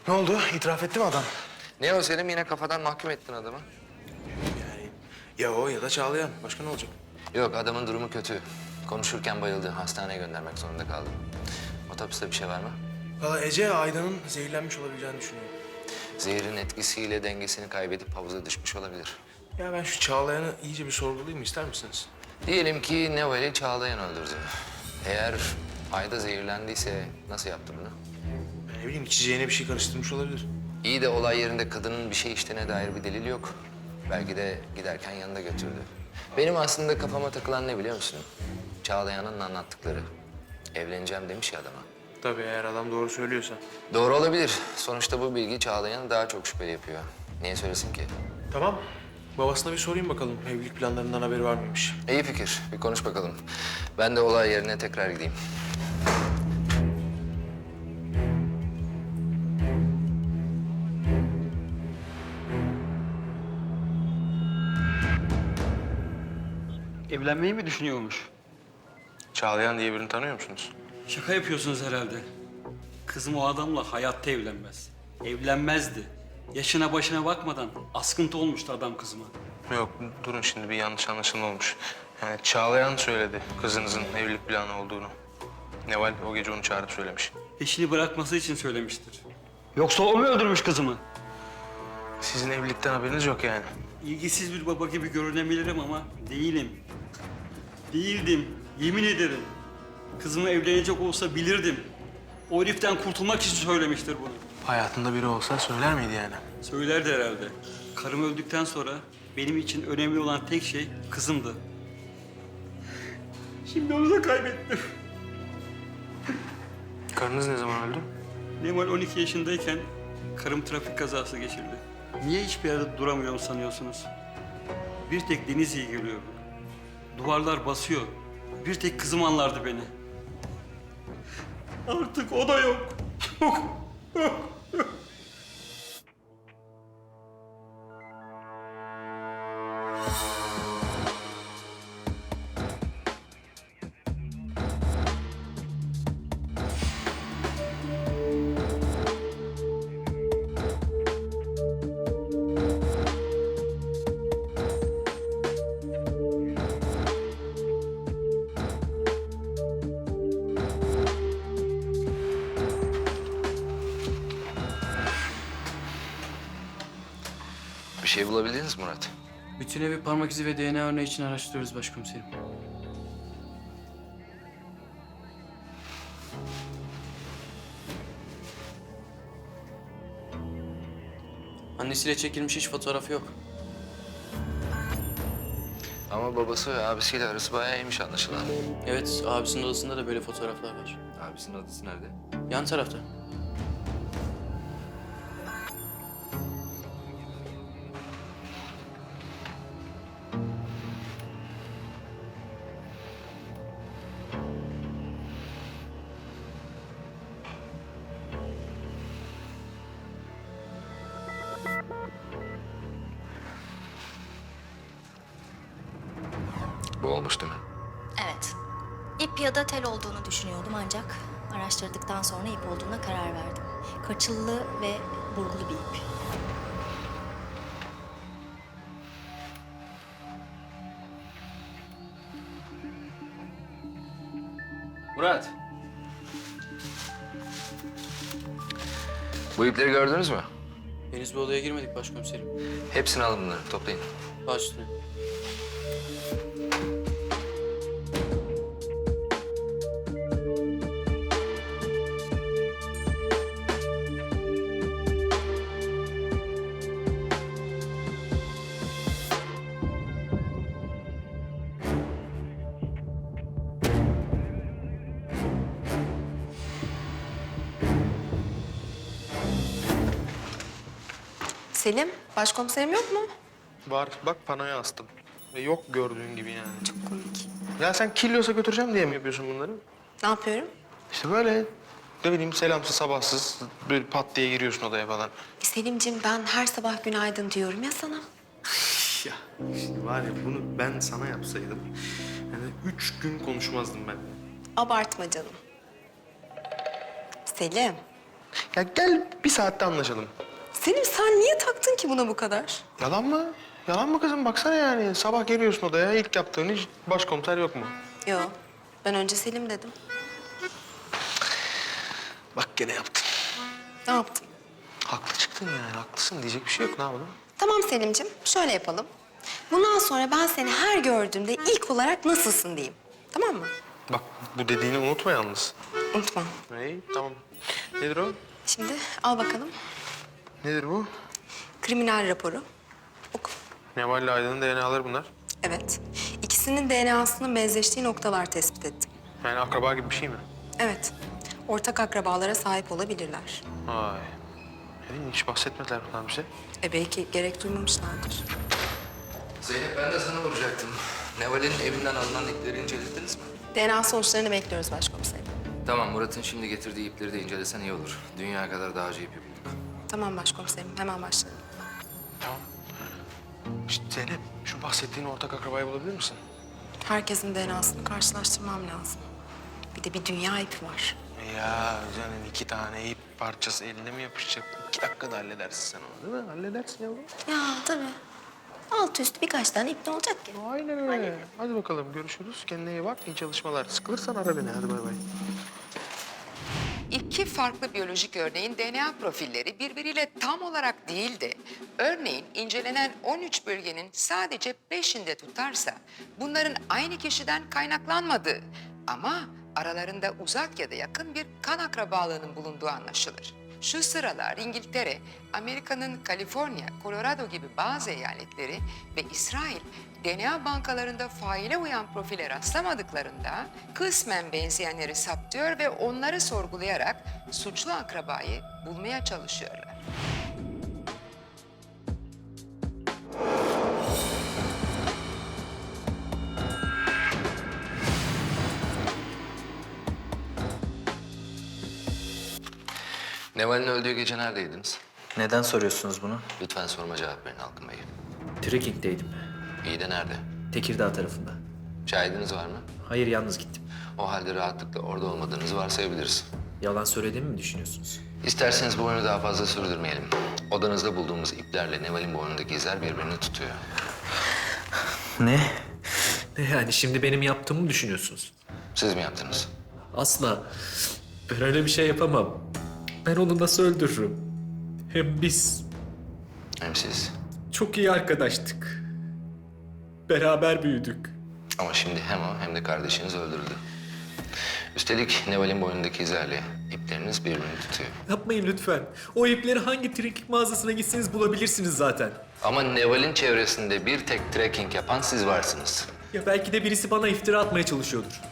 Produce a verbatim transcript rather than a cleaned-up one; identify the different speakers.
Speaker 1: Ne oldu? İtiraf etti mi adam?
Speaker 2: Ne o Selim, yine kafadan mahkum ettin adamı.
Speaker 1: Yani ya o ya da Çağlayan. Başka ne olacak?
Speaker 2: Yok, adamın durumu kötü. Konuşurken bayıldı. Hastaneye göndermek zorunda kaldım. Otopside bir şey var mı?
Speaker 1: Valla Ece Aydan'ın zehirlenmiş olabileceğini düşünüyor.
Speaker 2: Zehirin etkisiyle dengesini kaybedip havuza düşmüş olabilir.
Speaker 1: Ya ben şu Çağlayan'ı iyice bir sorgulayayım ister misiniz?
Speaker 2: Diyelim ki Neval'i Çağlayan öldürdü. Eğer Ayda zehirlendiyse nasıl yaptı bunu?
Speaker 1: Ben ne bileyim içeceğine bir şey karıştırmış olabilir.
Speaker 2: İyi de olay yerinde kadının bir şey içtiğine dair bir delil yok. Belki de giderken yanında götürdü. Benim aslında kafama takılan ne biliyor musun? Çağlayan'ın anlattıkları. Evleneceğim demiş ya adama.
Speaker 1: Tabii eğer adam doğru söylüyorsa.
Speaker 2: Doğru olabilir. Sonuçta bu bilgi Çağlayan'ı daha çok şüpheli yapıyor. Niye söylesin ki?
Speaker 1: Tamam. Babasına bir sorayım bakalım. Evlilik planlarından haberi var mıymış?
Speaker 2: İyi fikir. Bir konuş bakalım. Ben de olay yerine tekrar gideyim.
Speaker 3: Evlenmeyi mi düşünüyormuş?
Speaker 1: Çağlayan diye birini tanıyor musunuz?
Speaker 3: Şaka yapıyorsunuz herhalde. Kızım o adamla hayatta evlenmez. Evlenmezdi. Yaşına başına bakmadan askıntı olmuştu adam kızıma.
Speaker 1: Yok durun şimdi bir yanlış anlaşılma olmuş. Yani Çağlayan söyledi kızınızın evlilik planı olduğunu. Neval o gece onu çağırıp söylemiş.
Speaker 3: Eşini bırakması için söylemiştir. Yoksa o mu öldürmüş kızımı?
Speaker 1: Sizin evlilikten haberiniz yok yani.
Speaker 3: İlgisiz bir baba gibi görünebilirim ama değilim. Değildim. Yemin ederim. Kızımı evlenecek olsa bilirdim. O heriften kurtulmak için söylemiştir bunu.
Speaker 1: Hayatında biri olsa söyler miydi yani?
Speaker 3: Söylerdi herhalde. Karım öldükten sonra benim için önemli olan tek şey kızımdı. Şimdi onu da kaybettim.
Speaker 1: Karınız ne zaman öldü?
Speaker 3: Nemal on iki yaşındayken karım trafik kazası geçirdi. Niye hiçbir yerde duramıyorum sanıyorsunuz? Bir tek Deniz iyi geliyor. Duvarlar basıyor. Bir tek kızım anlardı beni. Artık o da yok. Yok. Yok.
Speaker 2: Bir şey bulabildiniz mi Murat?
Speaker 4: Bütün evi parmak izi ve D N A örneği için araştırıyoruz başkomiserim. Annesiyle çekilmiş hiç fotoğrafı yok.
Speaker 2: Ama babası ve abisiyle arası bayağı iyiymiş anlaşılan.
Speaker 4: Evet, abisinin odasında da böyle fotoğraflar var.
Speaker 2: Abisinin adresi nerede?
Speaker 4: Yan tarafta.
Speaker 2: Bu olmuş değil mi?
Speaker 5: Evet. İp ya da tel olduğunu düşünüyordum ancak araştırdıktan sonra ip olduğuna karar verdim. Kaçıllı ve burgulu bir ip.
Speaker 4: Murat.
Speaker 2: Bu ipleri gördünüz mü?
Speaker 4: Henüz bir odaya girmedik başkomiserim.
Speaker 2: Hepsini alın bunları, toplayın.
Speaker 4: Baş üstüne.
Speaker 6: Selim, başkomiserim yok mu?
Speaker 1: Var bak panoya astım. Ve yok gördüğün gibi yani.
Speaker 6: Çok komik.
Speaker 1: Ya sen Kilyos'a götüreceğim diye mi yapıyorsun bunları?
Speaker 6: Ne yapıyorum?
Speaker 1: İşte böyle ne bileyim selamsız sabahsız böyle pat diye giriyorsun odaya falan.
Speaker 6: Selimciğim ben her sabah günaydın diyorum ya sana.
Speaker 1: Ya şimdi var ya bunu ben sana yapsaydım yani üç gün konuşmazdım ben.
Speaker 6: Abartma canım. Selim,
Speaker 1: Ya gel bir saatte anlaşalım.
Speaker 6: Selim sen niye taktın ki buna bu kadar?
Speaker 1: Yalan mı? Yalan mı kızım? Baksana yani. Sabah geliyorsun odaya, ilk yaptığın iş başkomiser yok mu?
Speaker 6: Yok. Ben önce Selim dedim.
Speaker 1: Bak gene yaptın.
Speaker 6: Ne yaptım?
Speaker 1: Haklı çıktın yani, haklısın. Diyecek bir şey yok. Ne yapalım?
Speaker 6: Tamam Selim'cim, şöyle yapalım. Bundan sonra ben seni her gördüğümde ilk olarak nasılsın diyeyim. Tamam mı?
Speaker 1: Bak bu dediğini unutma yalnız.
Speaker 6: Unutma.
Speaker 1: İyi, tamam. Nedir o?
Speaker 6: Şimdi al bakalım.
Speaker 1: Nedir bu?
Speaker 6: Kriminal raporu. Oku.
Speaker 1: Neval ile Aydın'ın D N A'ları bunlar.
Speaker 6: Evet. İkisinin D N A'sının benzeştiği noktalar tespit ettim.
Speaker 1: Yani akraba gibi bir şey mi?
Speaker 6: Evet. Ortak akrabalara sahip olabilirler.
Speaker 1: Vay. Yani hiç bahsetmediler bunlar bize.
Speaker 6: E belki gerek duymamışlardır.
Speaker 2: Zeynep ben de sana vuracaktım. Neval'in evinden alınan ipleri incelediniz mi?
Speaker 6: D N A sonuçlarını bekliyoruz başkomiserim.
Speaker 2: Tamam, Murat'ın şimdi getirdiği ipleri de incelesen iyi olur. Dünya kadar dağcı ipi bulduk.
Speaker 6: Tamam başkomiserim, hemen başlayalım.
Speaker 1: Tamam. İşte Zeynep, şu bahsettiğin ortak akrabayı bulabilir misin?
Speaker 6: Herkesin D N A'sını karşılaştırmam lazım. Bir de bir dünya ipi var.
Speaker 1: Ya canım iki tane ip parçası eline mi yapışacak? İki dakikada halledersin sen onu değil mi? Halledersin yavrum.
Speaker 6: Ya tabii. Alt üstü birkaç tane ip ne olacak ki?
Speaker 1: Aynen öyle. Hadi bakalım görüşürüz. Kendine iyi bak. İyi çalışmalar. Sıkılırsan ara beni. Hadi bay bay.
Speaker 7: İki farklı biyolojik örneğin D N A profilleri birbiriyle tam olarak değil de örneğin incelenen on üç bölgenin sadece beşinde tutarsa bunların aynı kişiden kaynaklanmadığı ama aralarında uzak ya da yakın bir kan akrabalığının bulunduğu anlaşılır. Şu sıralar İngiltere, Amerika'nın Kaliforniya, Colorado gibi bazı eyaletleri ve İsrail D N A bankalarında faile uyan profile rastlamadıklarında kısmen benzeyenleri saptıyor ve onları sorgulayarak suçlu akrabayı bulmaya çalışıyorlar.
Speaker 2: Neval'in öldüğü gece neredeydiniz?
Speaker 8: Neden soruyorsunuz bunu?
Speaker 2: Lütfen sorma cevap verin Halkın Bey.
Speaker 8: Trekking'deydim.
Speaker 2: İyi de nerede?
Speaker 8: Tekirdağ tarafında.
Speaker 2: Şahidiniz var mı?
Speaker 8: Hayır, yalnız gittim.
Speaker 2: O halde rahatlıkla orada olmadığınızı varsayabiliriz.
Speaker 8: Yalan söylediğimi mi düşünüyorsunuz?
Speaker 2: İsterseniz bu oyunu daha fazla sürdürmeyelim. Odanızda bulduğumuz iplerle Neval'in boynundaki izler birbirini tutuyor.
Speaker 8: Ne? Ne yani, şimdi benim yaptığımı mı düşünüyorsunuz?
Speaker 2: Siz mi yaptınız?
Speaker 8: Asla. Ben öyle bir şey yapamam. Ben onu nasıl öldürürüm? Hem biz
Speaker 2: Hem siz.
Speaker 8: çok iyi arkadaştık. Beraber büyüdük.
Speaker 2: Ama şimdi hem o hem de kardeşiniz öldürüldü. Üstelik Neval'in boynundaki izlerle ipleriniz birbirini tutuyor.
Speaker 8: Yapmayın lütfen. O ipleri hangi trekking mağazasına gitseniz bulabilirsiniz zaten.
Speaker 2: Ama Neval'in çevresinde bir tek trekking yapan siz varsınız.
Speaker 8: Ya belki de birisi bana iftira atmaya çalışıyordur.